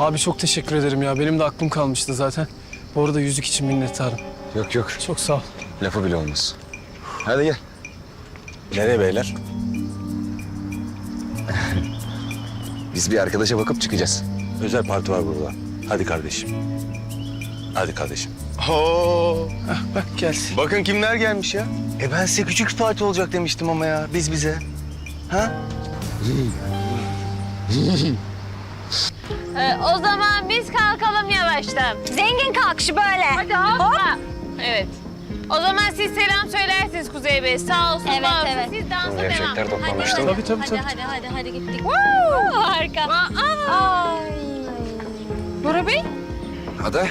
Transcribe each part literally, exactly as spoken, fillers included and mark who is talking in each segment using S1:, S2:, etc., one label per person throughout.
S1: Abi çok teşekkür ederim ya. Benim de aklım kalmıştı zaten. Bu arada yüzük için minnettarım.
S2: Yok yok.
S1: Çok sağ ol.
S2: Lafı bile olmaz. Hadi gel. Nereye beyler? Biz bir arkadaşa bakıp çıkacağız.
S3: Özel parti var burada. Hadi kardeşim. Hadi kardeşim.
S4: Oo,
S1: Heh, bak gelsin.
S4: bakın kimler gelmiş ya. E ben size küçük parti olacak demiştim ama ya, biz bize. Ha?
S5: Ee, o zaman biz kalkalım yavaştan.
S6: Zengin kalkışı böyle.
S5: Hadi hoppa. Evet. O zaman siz selam söylersiniz Kuzey Bey. Sağ olsun,
S6: Evet,
S5: var olsun.
S6: evet.
S5: Siz dansa
S2: Bu
S5: devam.
S2: gerçekler toplamıştım.
S1: Tabii tabii
S6: Hadi
S1: tabii.
S6: hadi hadi hadi gittik.
S5: Woo!
S6: Harika.
S5: Aa,
S6: Ay.
S5: Bora Bey.
S2: Ada.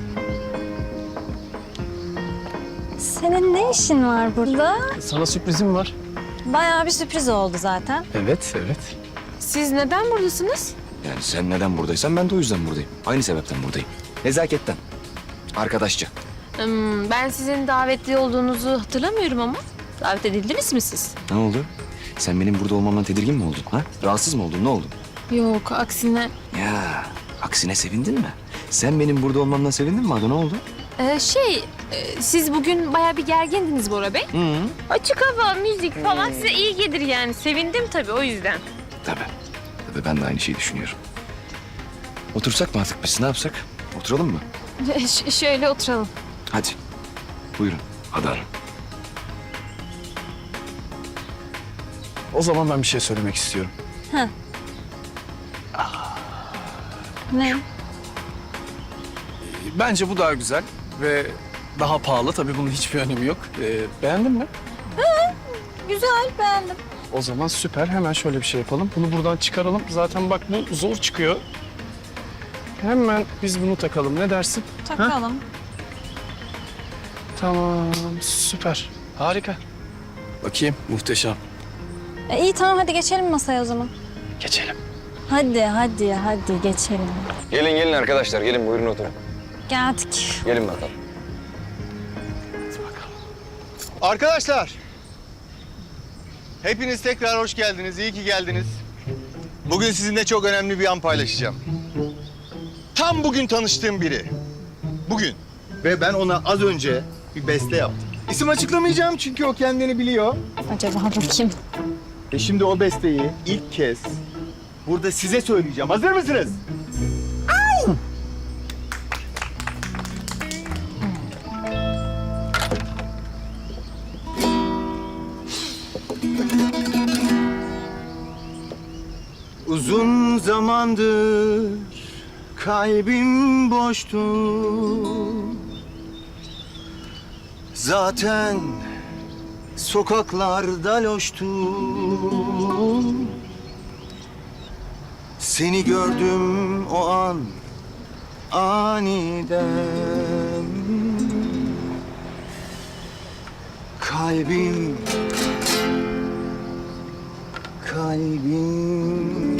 S6: Senin ne işin var burada?
S1: Sana sürprizim var.
S6: Bayağı bir sürpriz oldu zaten.
S1: Evet, evet.
S5: Siz neden buradasınız?
S2: Yani sen neden buradaysan ben de o yüzden buradayım. Aynı sebepten buradayım. Nezaketten. Arkadaşça.
S5: Hmm, ben sizin davetli olduğunuzu hatırlamıyorum ama. Davet edildiniz mi siz?
S2: Ne oldu? Sen benim burada olmamdan tedirgin mi oldun? Ha? Rahatsız mı oldun? Ne oldu?
S5: Yok, aksine.
S2: Ya aksine sevindin mi? Sen benim burada olmamdan sevindin mi Ada? Ne oldu?
S5: Ee, şey, e, siz bugün bayağı bir gergindiniz Bora Bey.
S2: Hı.
S5: Açık hava, müzik falan size iyi gelir yani. Sevindim tabii o yüzden.
S2: Tabii. Tabii ben de aynı şeyi düşünüyorum. Otursak mı artık biz? Ne yapsak? Oturalım mı?
S5: Ş- şöyle oturalım.
S2: Hadi. Buyurun Ada Hanım.
S1: O zaman ben bir şey söylemek istiyorum.
S6: Ne?
S1: Bence bu daha güzel ve daha pahalı. Tabii bunun hiçbir önemi yok. Ee, beğendin mi?
S6: Güzel, beğendim.
S1: O zaman süper. Hemen şöyle bir şey yapalım. Bunu buradan çıkaralım. Zaten bak bu zor çıkıyor. Hemen biz bunu takalım. Ne dersin?
S6: Takalım.
S1: Tamam. Süper. Harika. Bakayım. Muhteşem.
S6: E, iyi tamam hadi geçelim masaya o zaman.
S1: Geçelim.
S6: Hadi hadi hadi geçelim.
S2: Gelin gelin arkadaşlar. Gelin buyurun oturun.
S6: Geldik.
S2: Gelin bakalım.
S4: Arkadaşlar, hepiniz tekrar hoş geldiniz, iyi ki geldiniz. Bugün sizinle çok önemli bir an paylaşacağım. Tam bugün tanıştığım biri. Bugün. Ve ben ona az önce bir beste yaptım. İsim açıklamayacağım çünkü o kendini biliyor.
S6: Acaba bakayım.
S4: Ve şimdi o besteyi ilk kez burada size söyleyeceğim. Hazır mısınız? Uzun zamandır kalbim boştu. Zaten sokaklarda loştum. Seni gördüm o an aniden. Kalbim, kalbim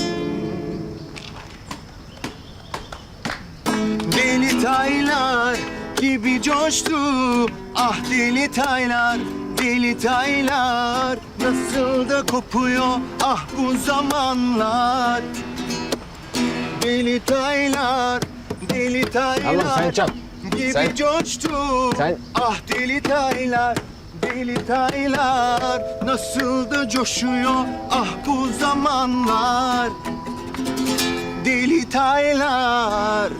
S4: deli taylar gibi coştu. Ah deli taylar, deli taylar nasıl da kopuyor ah bu zamanlar. Deli taylar, deli taylar
S2: Tamam, sen çal.
S4: gibi
S2: Sen-
S4: coştu.
S2: sen-
S4: Ah deli taylar, deli taylar nasıl da coşuyor ah bu zamanlar. Deli taylar.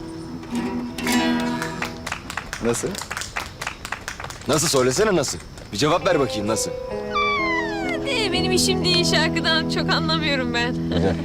S2: Nasıl? Nasıl? Söylesene nasıl? Bir cevap ver bakayım nasıl?
S5: Ee, benim işim değil şarkıdan. Çok anlamıyorum ben.
S2: Güzel.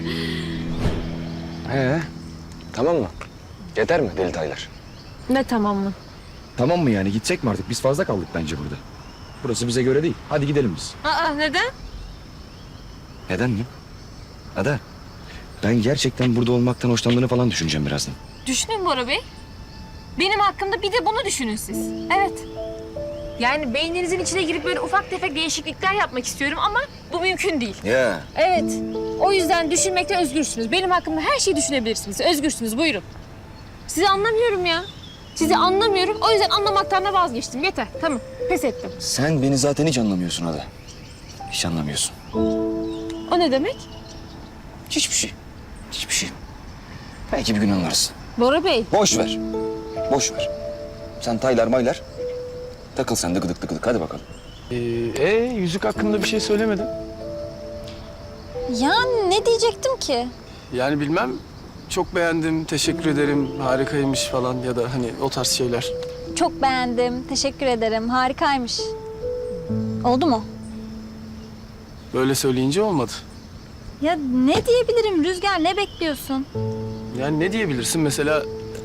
S2: Ee, tamam mı? Yeter mi deli taylar?
S5: Ne tamam mı?
S2: Tamam mı yani? Gitsek mi artık? Biz fazla kaldık bence burada. Burası bize göre değil. Hadi gidelim biz.
S5: Aa, neden?
S2: Neden mi? Ada, ben gerçekten burada olmaktan hoşlandığını falan düşüneceğim birazdan.
S5: Düşünün Bora Bey. Benim hakkımda bir de bunu düşünün siz. Evet. Yani beyninizin içine girip böyle ufak tefek değişiklikler yapmak istiyorum ama bu mümkün değil.
S2: Ya.
S5: Evet. O yüzden düşünmekte özgürsünüz. Benim hakkımda her şeyi düşünebilirsiniz. Özgürsünüz. Buyurun. Sizi anlamıyorum ya. Sizi anlamıyorum. O yüzden anlamaktan da vazgeçtim. Yeter. Tamam. Pes ettim.
S2: Sen beni zaten hiç anlamıyorsun Ada. Hiç anlamıyorsun.
S5: O ne demek?
S2: Hiçbir şey. Hiçbir şey. Belki bir gün anlarız.
S5: Bora Bey,
S2: Boş ver. Boş ver. Sen taylar maylar. Takıl sen de gıdık gıdık. Hadi bakalım.
S1: Ee, e, yüzük hakkında bir şey söylemedin.
S6: Ya ne diyecektim ki?
S1: Yani bilmem, çok beğendim, teşekkür ederim, harikaymış falan ya da hani o tarz şeyler.
S6: Çok beğendim. Teşekkür ederim. Harikaymış. Oldu mu?
S1: Böyle söyleyince olmadı.
S6: Ya ne diyebilirim Rüzgar? Ne bekliyorsun?
S1: Yani ne diyebilirsin mesela?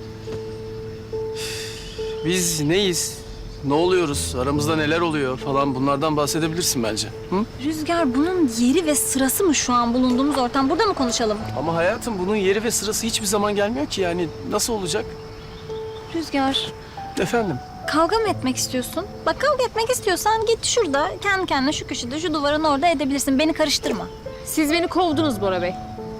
S1: Biz neyiz? Ne oluyoruz? Aramızda neler oluyor falan bunlardan bahsedebilirsin bence. Hı?
S6: Rüzgar bunun yeri ve sırası mı şu an bulunduğumuz ortam? Burada mı konuşalım?
S1: Ama hayatım bunun yeri ve sırası hiçbir zaman gelmiyor ki yani nasıl olacak?
S6: Rüzgar,
S1: Efendim?
S6: kavga mı etmek istiyorsun? Bak kavga etmek istiyorsan git şurada kendi kendine şu köşede şu duvarın orada edebilirsin. Beni karıştırma.
S5: siz beni kovdunuz Bora Bey.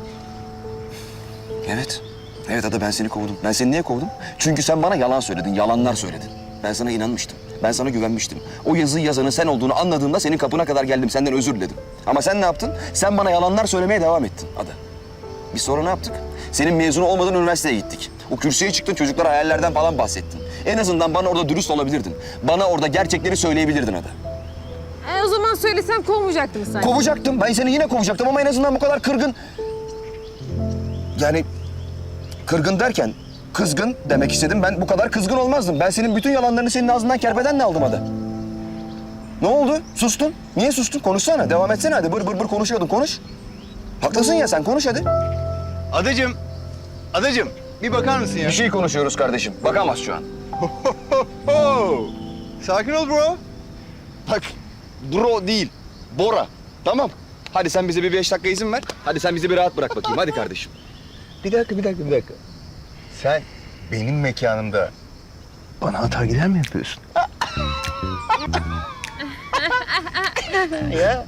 S2: Evet. Evet Ada ben seni kovdum. Ben seni niye kovdum? Çünkü sen bana yalan söyledin, yalanlar söyledin. Ben sana inanmıştım. Ben sana güvenmiştim. O yazıyı yazanın sen olduğunu anladığımda senin kapına kadar geldim. Senden özür diledim. Ama sen ne yaptın? Sen bana yalanlar söylemeye devam ettin Ada. Biz sonra ne yaptık? Senin mezun olmadan üniversiteye gittik. O kürsüye çıktın, çocuklara hayallerden falan bahsettin. En azından bana orada dürüst olabilirdin. Bana orada gerçekleri söyleyebilirdin Ada.
S5: E, o zaman söylesem kovmayacaktınız sanki.
S2: Kovacaktım. Ben seni yine kovacaktım ama en azından bu kadar kırgın... Yani kırgın derken kızgın demek istedim. Ben bu kadar kızgın olmazdım. Ben senin bütün yalanlarını senin ağzından kerpedenle aldım Ada. Ne oldu? Sustun. Niye sustun? Konuşsana. Devam etsene hadi. Bır bır bır konuşuyordun. Konuş. Haklısın ya sen. Konuş hadi.
S4: Adacığım, adacığım bir bakar mısın ya?
S2: Bir şey konuşuyoruz kardeşim. Bakamaz şu an.
S4: Ho! Sakin ol bro.
S2: Bak. Bro değil. Bora. Tamam. Hadi sen bize bir beş dakika izin ver. Hadi sen bizi bir rahat bırak bakayım. Hadi kardeşim.
S4: Bir dakika, bir dakika, bir dakika. Sen benim mekanımda bana atar gider mi yapıyorsun? ya.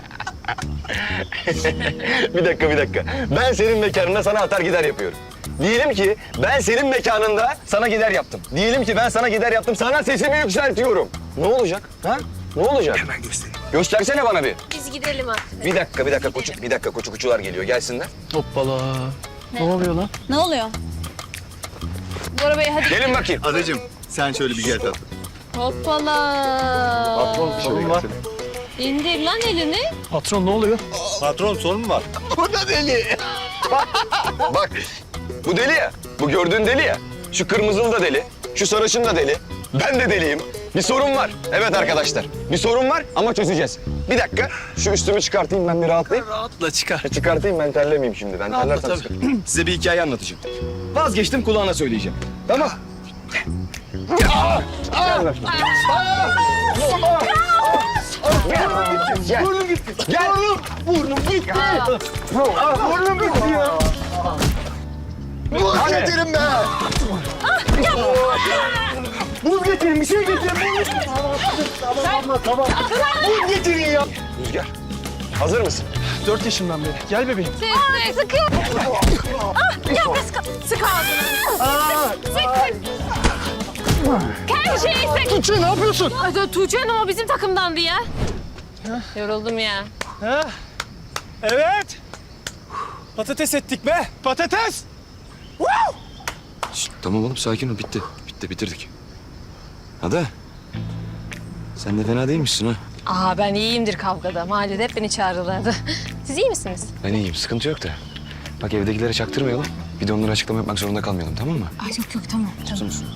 S2: Bir dakika, bir dakika. Ben senin mekanında sana atar gider yapıyorum. Diyelim ki ben senin mekanında sana gider yaptım. Diyelim ki ben sana gider yaptım. Sana sesimi yükseltiyorum. Ne olacak? Ha? Ne olacak?
S4: Hemen göstereyim.
S2: Göstersene bana bir.
S5: Biz gidelim artık.
S2: Bir dakika, bir dakika koçuk, bir dakika koçu kuçular geliyor. Gelsinler.
S1: Hoppala. Ne, oluyor lan?
S6: Ne oluyor?
S5: Bora Bey hadi.
S2: Gelin bakayım.
S4: Adacığım sen şöyle bir gel tatlım.
S5: Hoppala.
S4: Patron sorun var.
S5: İndir lan elini.
S1: Patron ne oluyor?
S4: Patron sorun mu var?
S2: Bu da deli. Bak, bu deli ya. Bu gördüğün deli ya. Şu kırmızılı da deli. Şu sarışın da deli. Ben de deliyim. Bir sorun var. Evet arkadaşlar. Bir sorun var ama çözeceğiz. Bir dakika. Şu üstümü çıkartayım ben bir rahatlayayım.
S1: Rahatla çıkar.
S2: Ya çıkartayım ben terlemeyeyim şimdi. Ben
S1: Rahatla
S2: terlersem
S1: tabii.
S2: sıkıntı. Size bir hikaye anlatacağım. Vazgeçtim kulağına söyleyeceğim. Tamam. Gel. Gel. Gel.
S4: Burnum gitti.
S2: Gel.
S4: Burnum gitti. Burnum gitti ya. Buz getirin be. Buz getirin, bir şey getirin. Buz getirin. Tamam, tamam, tamam. Buz getirin ya.
S2: Rüzgar. Hazır mısın?
S1: Dört yaşından beri. Gel bebeğim.
S5: Sık sık. Sıkıyor. Ah, ya sık. Sık ağzını. Sık sık. Her şeyi sık.
S1: Tuğçe ne yapıyorsun?
S5: Ay, Tuğçe ama bizim takımdandı ya. Yoruldum ya.
S1: Ha? Evet. Patates ettik be. Patates.
S2: Şişt, tamam oğlum sakin ol. Bitti. Bitti bitirdik. Ada. Sen de fena değilmişsin ha.
S5: Aa ben iyiyimdir kavgada. Mahallede hep beni çağırırlardı. Siz iyi misiniz?
S2: Ben iyiyim. Sıkıntı yok da. Bak evdekilere çaktırmayalım. Bir de onlara açıklama yapmak zorunda kalmayalım tamam mı?
S5: Ay yok yok tamam.
S2: Mutlu musun?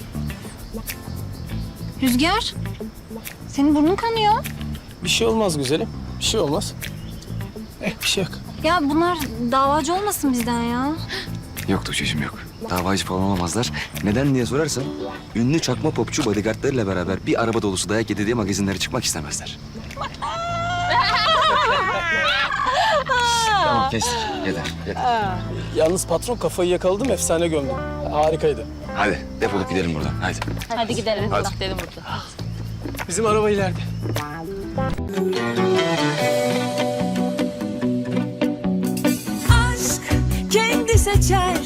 S6: Rüzgar, senin burnun kanıyor.
S1: Bir şey olmaz güzelim. Bir şey olmaz. Eh bir şey yok.
S6: Ya bunlar davacı olmasın bizden ya.
S2: Yok Tuğçe'cim yok. Davacı falan olamazlar. Neden diye sorarsan ünlü çakma popçu bodyguardlarıyla beraber bir araba dolusu dayak yedi diye magazinlere çıkmak istemezler. Tamam kestik. Yeter. Yeter.
S1: Yalnız patron kafayı yakaladım, efsane gömdüm. Harikaydı.
S2: Hadi defolup gidelim buradan. Hadi.
S5: Hadi gidelim.
S2: Hadi.
S5: Gidelim burada.
S1: Bizim araba ileride.
S7: aşk kendi seçer